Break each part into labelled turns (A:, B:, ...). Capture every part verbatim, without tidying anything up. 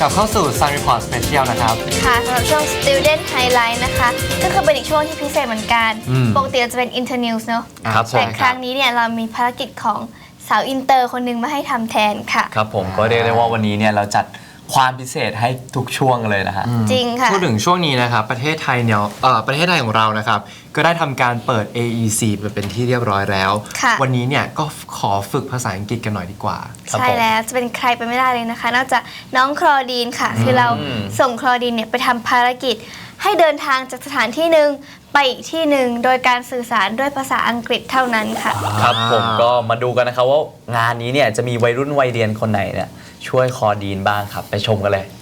A: ลับเข้าสู่ Sun Report Special นะครับ
B: ค่ะสำหรับช่วง Student Highlight นะคะก็คือเป็นอีกช่วงที่พิเศษเหมือนกันปกติจะเป็น Internews เนอะแต่ครั้งนี้เนี่ยเรามีภารกิจของสาวอินเตอร์คนหนึ่งมาให้ทำแทนค่ะ
C: ครับผมก็เรียกได้ว่าวันนี้เนี่ยเราจัดความพิเศษให้ทุกช่วงเลยนะฮะ
B: จริงค่ะ
A: พูดถึงช่วงนี้นะครับประเทศไทยเนี่ยเอ่อประเทศไทยของเรานะครับก็ได้ทำการเปิด เอ อี ซี ไปเป็นที่เรียบร้อยแล้ววันนี้เนี่ยก็ขอฝึกภาษาอังกฤษกันหน่อยดีกว่า
B: ใช่แล้วจะเป็นใครไปไม่ได้เลยนะคะนอกจากน้องคลอดีนค่ะคือเราส่งคลอดีนเนี่ยไปทำภารกิจให้เดินทางจากสถานที่หนึ่งไปอีกที่หนึ่งโดยการสื่อสารด้วยภาษาอังกฤษเท่านั้นค่ะ
C: ครับผมก็มาดูกันนะครับว่างานนี้เนี่ยจะมีวัยรุ่นวัยเรียนคนไหนเนี่ยช่วยคอดีนบ้างครับไปชมกันเลย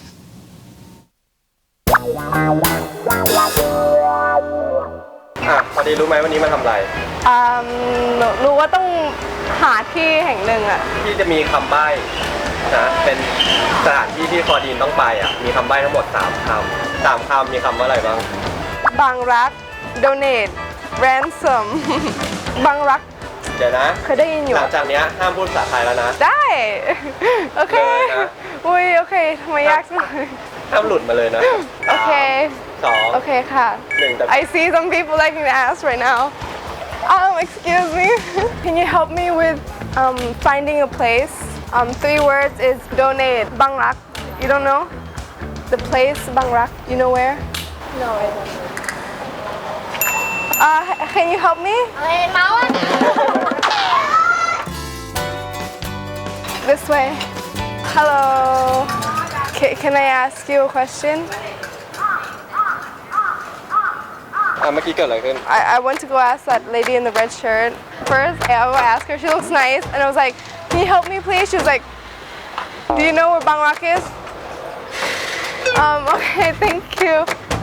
D: อ่ะพอดีรู้ไหมวันนี้มาทำอะไร
E: อ่ารู้ว่าต้องหาที่แห่งหนึ่งอะ
D: ที่จะมีคำใบ้นะเป็นสถานที่ที่คอดีนต้องไปอ่ะมีคำใบ้ทั้งหมดสามคำสามคำมีคำว่าอะไรบ้าง
E: บางรัก donate ransom บางรัก
D: เดี๋ยวนะ
E: เคยได้ยินอยู่
D: หลังจากนี้ห้ามพูดภาษาไทยแล้วนะ
E: ได้โอเคอุ้ยโอเคทำไมยากจัง
D: ห้ามหลุดมาเลยนะ
E: โอเค
D: สอง
E: โอเคค่ะ I see some people liking to ask right now um excuse me can you help me with um finding a place um three words is donate Bang Rak you don't know the place Bang Rak you know where no I don't know uh can you help me this way hello can, can I ask you a question
D: อ่ะเมื่อกี้เกิดอะไรขึ้น
E: I, I went to go ask that lady in the red shirt first. I will ask her. She looks nice, and I was like, "Can you help me, please?" She was like, "Do you know where Bang Rak is?" Um. Okay. Thank you.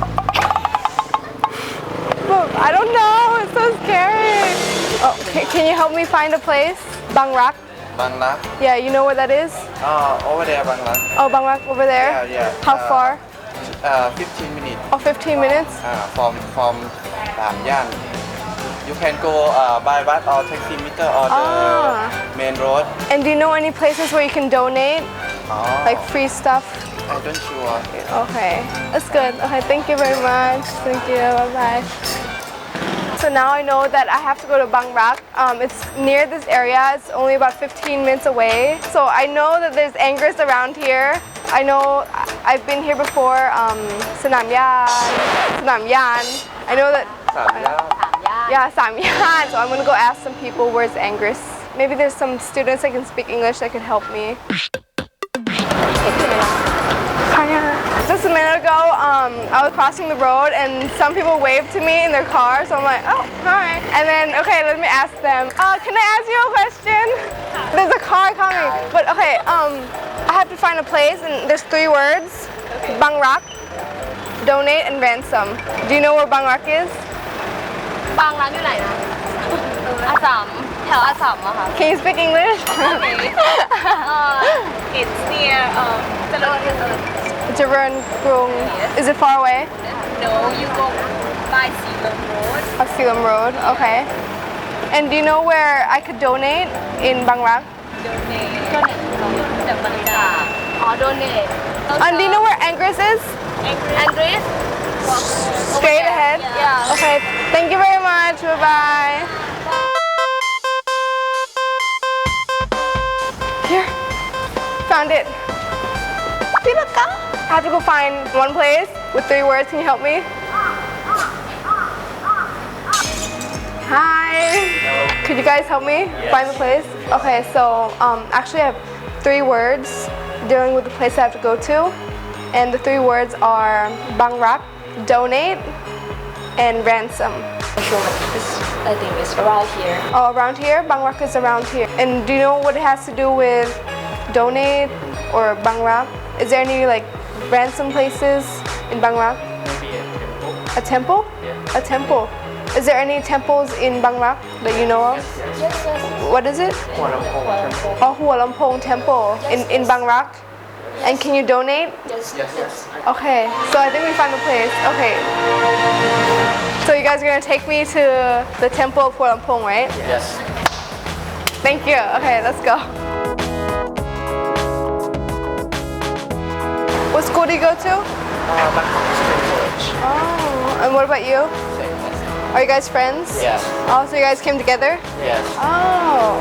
E: But I don't know. It's so scary. Oh, can, can you help me find a place? Bang Rak.
F: Bang Rak.
E: Yeah. You know where that is?
F: Oh, over there, Bang Rak.
E: Oh, Bang Rak over there.
F: Yeah, yeah.
E: How
F: uh,
E: far?
F: Uh, fifteen minutes.
E: Oh, fifteen minutes.
F: Uh, from from Tam Yan. You can go uh, by bus or taxi meter or the
E: Ah.
F: main road.
E: And do you know any places where you can donate,
F: Oh,
E: like free stuff?
F: I don't sure.
E: Okay, that's good. Okay, thank you very much. Thank you. Bye bye. So now I know that I have to go to Bang Rak. Um, it's near this area. It's only about fifteen minutes away. So I know that there's Angus around here. I know I've been here before. Um, Sanam Yan, Sanam Yan. I know that.
D: สามย่าน
E: Yeah, Sam Yan. So I'm gonna go ask some people where's Angus. Maybe there's some students that can speak English that could help me. Just a minute ago, um, I was crossing the road and some people waved to me in their car, so I'm like, oh, hi. And then, okay, let me ask them. Uh, can I ask you a question? There's a car coming, but okay, um, I have to find a place and there's three words: Bang Rak, donate, and ransom. Do you know where Bang Rak is?
G: บางร้านอยู่ไหนนะอาสามแถวอาสามอะค่ะ
E: Can you speak English?
G: uh, it's near um เจริญเจริญ
E: Jaran Grung. Is it far away?
G: no you go by Sealam Road
E: Oh, Sealam Road. Okay. And do you know where I could donate in Bang Rak?
G: donate จากบริจาคอ๋อ donate
E: And do you know where Angus is?
G: Andres
E: Straight ahead?
G: Yeah.
E: Okay. Thank you very much. Bye bye. Here. Found it. Pinaka. I have to go find one place with three words. Can you help me? Hi. Could you guys help me find the place? Okay, so um, actually I have three words dealing with the place I have to go to. And the three words are Bang Rak, donate, and ransom.
G: I think it's around here
E: Oh, around here? Bang Rak is around here. And do you know what it has to do with donate or Bang Rak? Is there any like ransom places in Bang Rak?
F: Maybe
E: A
F: a temple.
E: temple?
F: Yeah.
E: A temple. Is there any temples in Bang Rak that you know of?
G: yes yes
E: What is it?
F: Hua Lamphong temple.
E: Oh, Hua Lamphong Temple in, in Bang Rak. And can you donate?
G: yes
F: Yes, yes.
E: Okay, so I think we found the place. Okay. So you guys are gonna take me to the temple of Hua Lamphong, right?
F: Yes.
E: Thank you. Okay, let's go. What school do you go to?
F: Uh, Bangkok Spring College.
E: Oh, and what about you?
F: Same.
E: Are you guys friends?
F: Yes.
E: Oh, so you guys came together?
F: Yes.
E: Oh.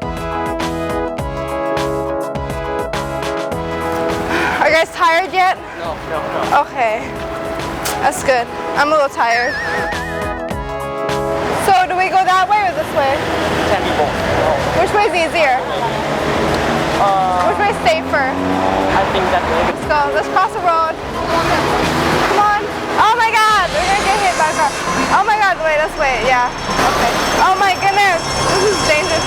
E: Are you guys tired yet?
F: No, no, no.
E: Okay. That's good. I'm a little tired. So do we go that way or this way?
F: Can be both.
E: Which way is easier? Which way is safer?
F: I think that way.
E: Let's go. Let's cross the road. Come on. Oh my God. We're gonna get hit by a car. Oh my God. Wait, let's wait. Yeah. Okay. Oh my goodness. This is dangerous.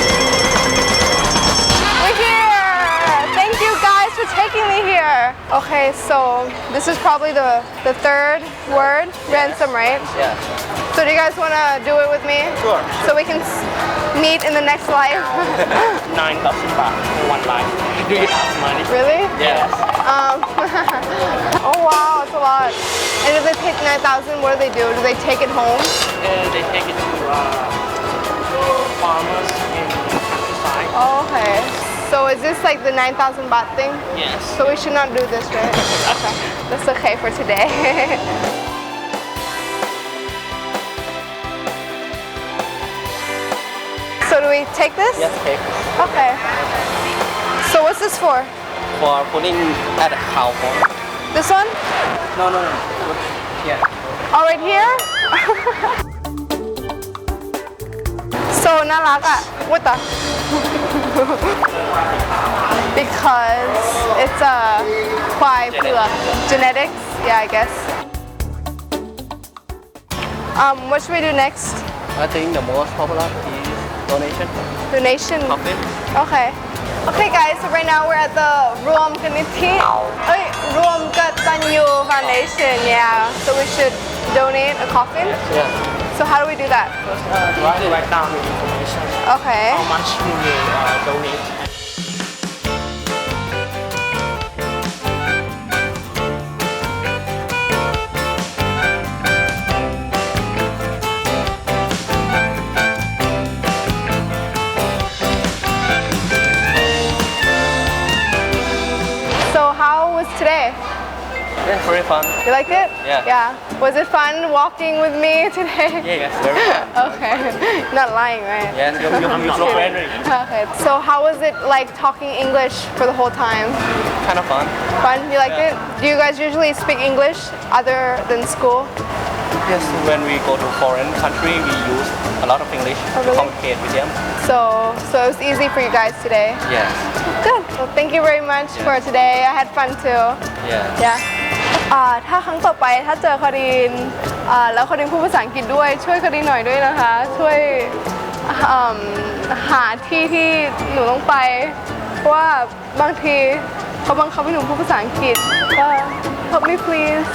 E: We're here. Thank you guys for taking me here. Okay, so this is probably the, the third word. Ransom, right?
F: Yeah.
E: So do you guys want to do it with me?
F: Sure.
E: So we can s- meet in the next life?
H: nine thousand baht for one life. Do you have money?
E: Really?
F: Yes.
E: Um, oh wow, it's a lot. And if they take nine thousand, what do they do? Do they take it home?
H: Uh, they take it to uh, farmers in countryside.
E: Oh, okay. So is this like the nine thousand baht thing?
H: Yes.
E: So we should not do this, right? Okay. That's okay for today. So do we take this?
F: Yes, okay.
E: Okay. So what's this for?
F: For putting at a cow farm.
E: This one?
F: No, no, no. Yeah.
E: Oh, right here? So น่ารักอ่ะ What the? Because it's a ควายเผือก genetics. Yeah, I guess. Um, what should we do next?
F: I think the most popular is donation.
E: Donation.
F: Coffin.
E: Okay. Okay, guys. So right now we're at the รวมกนิธิเอ้ยรวมกตัญญู Foundation. Yeah. So we should donate a coffin.
F: Yeah.
E: So how do we do that?
H: First, uh, you have to write down the information.
E: Okay.
H: How much you will uh, donate.
E: So how was today?
F: Yeah, very fun.
E: You liked it?
F: Yeah.
E: Yeah. Was it fun walking with me today?
F: Yeah, yes, very fun.
E: Okay. Not lying, right?
F: Yes, you, you, you so friendly.
E: Okay. So how was it like talking English for the whole time?
F: Kind of fun.
E: Fun? You liked
F: Yeah.
E: it? Do you guys usually speak English other than school?
F: Yes, when we go to foreign country, we use a lot of English
E: Oh,
F: to
E: really?
F: communicate with them.
E: So so it was easy for you guys today.
F: Yes.
E: Good. Well, thank you very much for today. I had fun too.
F: Yeah.
E: Yeah. อ่าถ้าครั้งต่อไปถ้าเจอคารินอ่าแล้วคารินพูดภาษาอังกฤษด้วยช่วยคารินหน่อยด้วยนะคะ ช่วยอืมหาที่ที่หนูต้องไปเพราะว่าบางทีเขาบังคับให้หนูพูดภาษาอังกฤษก็ help me please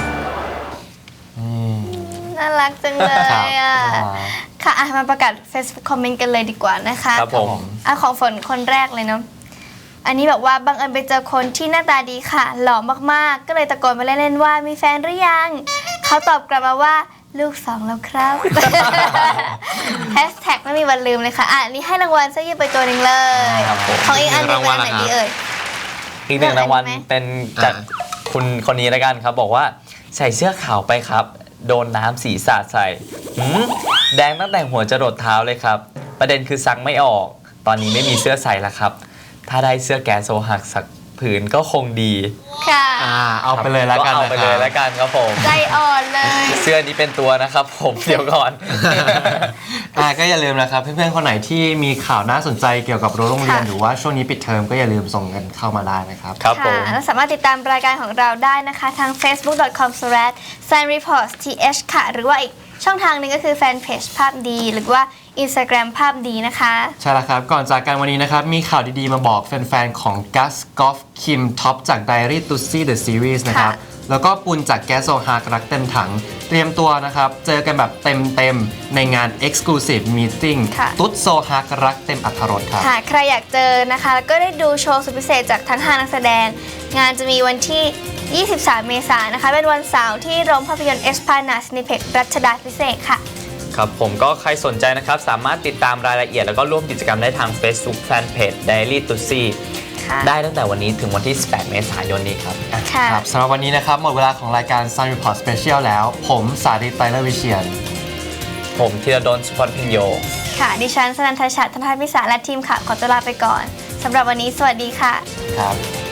B: น่ารักจังเลยอ่ะ ค่ะอ่ะ มาประกาศ Facebook คอมเมนต์กันเลยดีกว่านะคะ
C: ครับผม
B: อ่ะของฝนคนแรกเลยเนาะ อันนี้แบบว่าบังเอิญไปเจอคนที่หน้าตาดีค่ะ หล่อมากๆ ก็เลยตะโกนไปเล่นๆว่ามีแฟนหรือยัง เขาตอบกลับมาว่าลูกสองแล้วครับ แฮชแท็กไม่มีวันลืมเลยค่ะ อ่ะอันนี้ให้รางวัลเสื้อยืดไปตัวหนึ่งเลย
C: ครับผม
B: ของอีกอันหนึงเป็นอันไหนดีเอ่ย
C: อีกหนึ่งรางวัล
B: เลือกอันนี้ไหม
C: เป็นจากคุณคนนี้แล้วกันครับ บอกว่าใส่เสื้อขาวไปครับ โดนน้ำสีสาดใส่หืมแดงตั้งแต่หัวจรดเท้าเลยครับ ประเด็นคือซักไม่ออก ตอนนี้ไม่มีเสื้อใส่แล้วครับ ถ้าได้เสื้อแกโซหักสักผืนก็คงดี
B: ค่ะ
A: อ่าเอาไปเลยแล้วกัน
C: เอาไปเลยแล้วกันครับผม
B: ใจอ่อนเลย
C: เสื้อนี้เป็นตัวนะครับผมเดี๋ยวก่อน
A: อ่าก็อย่าลืมนะครับ เพื่อนๆ คนไหนที่มีข่าวน่าสนใจเกี่ยวกับรั้วโรงเรียน
B: ค่ะ
A: หรือว่าช่วงนี้ปิดเทอมก็อย่าลืมส่งกันเข้ามาได้นะครับ
C: ครับผ
B: ค่ะ
C: ม
B: และสามารถติดตามรายการของเราได้นะคะทาง เฟซบุ๊ก ดอท คอม สแลช ไซน์ รีพอร์ต ที เอช ค่ะ หรือว่าอีกช่องทางหนึงก็คือแฟนเพจภาพดี หรือว่า Instagram ภาพดีนะคะ
A: ใช่แล้วครับ ก่อนจากกันวันนี้นะครับ มีข่าวดีๆ มาบอกแฟนๆ ของกัสกอล์ฟคิมท็อปจาก Diary Tussy The Series นะครับ
B: ค่ะ
A: แล้วก็ปุนจากแกสโซฮากรักเต็มถัง เตรียมตัวนะครับ เจอกันแบบเต็มๆ ในงาน Exclusive Meeting
B: ค่ะ
A: ตุ๊ดโซฮากรักเต็มอรรถรสครับ
B: ค่ะ ใครอยากเจอนะคะ แล้วก็ได้ดูโชว์สุดพิเศษจากทั้งห้านักแสดง งานจะมีวันที่ ยี่สิบสาม เมษายนนะคะ เป็นวันเสาร์ที่โรงภาพยนตร์เอสพานาสนิเพกรัชดาพิเศษกค่ะ
C: ครับผมก็ใครสนใจนะครับ สามารถติดตามรายละเอียดแล้วก็ร่วมกิจกรรมได้ทาง Facebook Fanpage Diary Tussy
B: ค่ะ
C: ได้ตั้งแต่วันนี้ถึงวันที่สิบแปดเมษายนนี้ครับ
B: ค่ะ
A: ครับสำหรับวันนี้นะครับหมดเวลาของรายการ Sun Report Special แล้ว ผมสาธิตไตรเลอร์วิเชียน
C: ผมธีรดลสุพรรณพิญโย
B: ค่ะ ดิฉันสนันทชัดธนทัศน์พิสารและทีมข่าวขอตัวลาไปก่อนสำหรับวันนี้สวัสดีค่ะ
A: ครับ